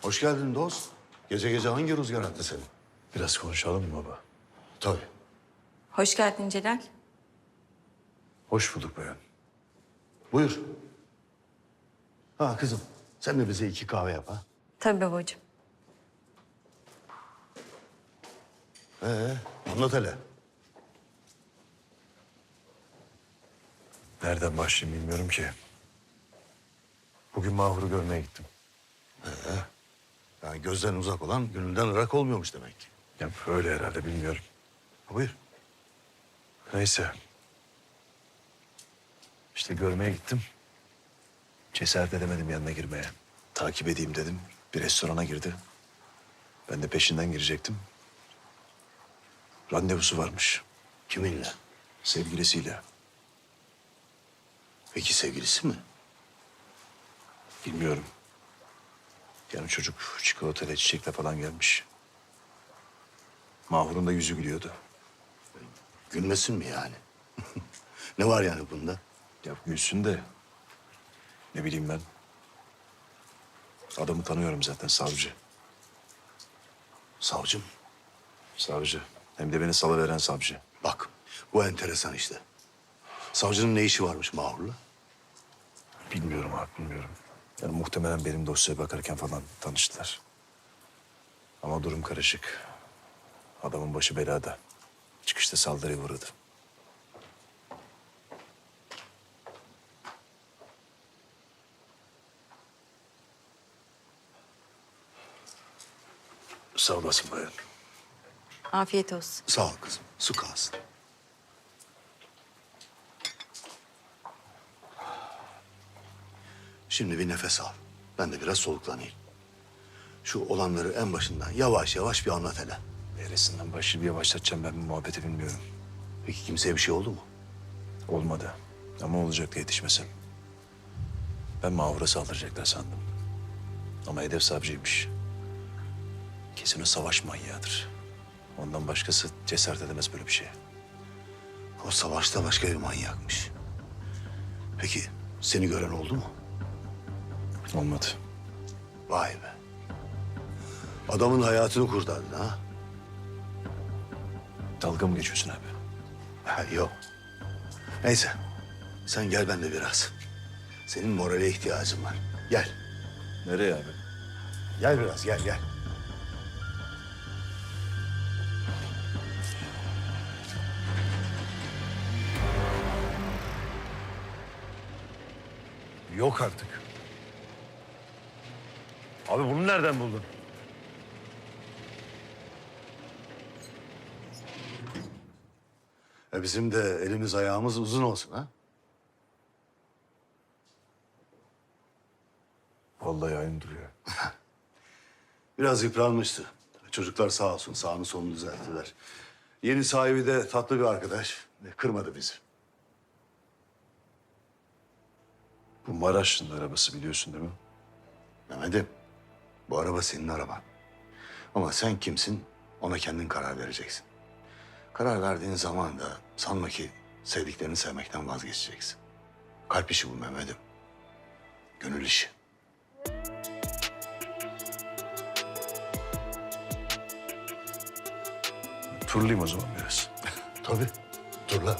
Hoş geldin dost. Gece gece hangi rüzgar attı seni? Biraz konuşalım mı baba? Tabii. Hoş geldin Celal. Hoş bulduk bayan. Buyur. Ha kızım, sen de bize 2 kahve yap ha. Tabii babacığım. Anlat hele. Nereden başlayayım bilmiyorum ki. Bugün Mahur'u görmeye gittim. Yani gözden uzak olan gönülden ırak olmuyormuş demek ki. Ya öyle herhalde bilmiyorum. Buyur. Neyse. İşte görmeye gittim. Cesaret edemedim yanına girmeye. Takip edeyim dedim. Bir restorana girdi. Ben de peşinden girecektim. Randevusu varmış. Kiminle? Sevgilisiyle. Peki sevgilisi mi? Bilmiyorum. Yani çocuk çikolatayla çiçekle falan gelmiş. Mahur'un da yüzü gülüyordu. Gülmesin mi yani? Ne var yani bunda? Ya gülsün de ne bileyim ben. Adamı tanıyorum zaten, savcı. Savcım. Savcı. Hem de beni salıveren savcı. Bak, bu enteresan işte. Savcının ne işi varmış Mahur'la? Bilmiyorum abi, bilmiyorum. Yani muhtemelen benim dosyaya bakarken falan tanıştılar. Ama durum karışık. Adamın başı belada. Çıkışta saldırıya uğradı. Sağ olasın bayan. Afiyet olsun. Sağ ol kızım, su kalsın. Şimdi bir nefes al. Ben de biraz soluklanayım. Şu olanları en başından yavaş yavaş bir anlat hele. Neresinden başı bir yavaşlatacağım, ben bu muhabbeti bilmiyorum. Peki kimseye bir şey oldu mu? Olmadı. Ama olacaktı yetişmesem. Ben Mahur'a saldıracaklar sandım. Ama hedef savcıymış. Kesin o savaş manyağıdır. Ondan başkası cesaret edemez böyle bir şeye. O savaşta başka bir manyakmış. Peki seni gören oldu mu? Olmadı. Vay be. Adamın hayatını kurtardın ha? Dalga mı geçiyorsun abi? Ha, yok. Neyse. Sen gel ben de biraz. Senin morale ihtiyacın var. Gel. Nereye abi? Gel biraz gel gel. Yok artık. Abi bunu nereden buldun? Bizim de elimiz ayağımız uzun olsun ha? Vallahi aynı duruyor. Biraz yıpranmıştı. Çocuklar sağ olsun sağını solunu düzelttiler. Yeni sahibi de tatlı bir arkadaş. Kırmadı bizi. Bu Maraşlı'nın arabası, biliyorsun değil mi? Mehmet'im, bu araba senin araban. Ama sen kimsin ona kendin karar vereceksin. Karar verdiğin zaman da sanma ki sevdiklerini sevmekten vazgeçeceksin. Kalp işi bu Mehmet'im. Gönül işi. Turlayayım o zaman biraz. Tabii. Dur lan.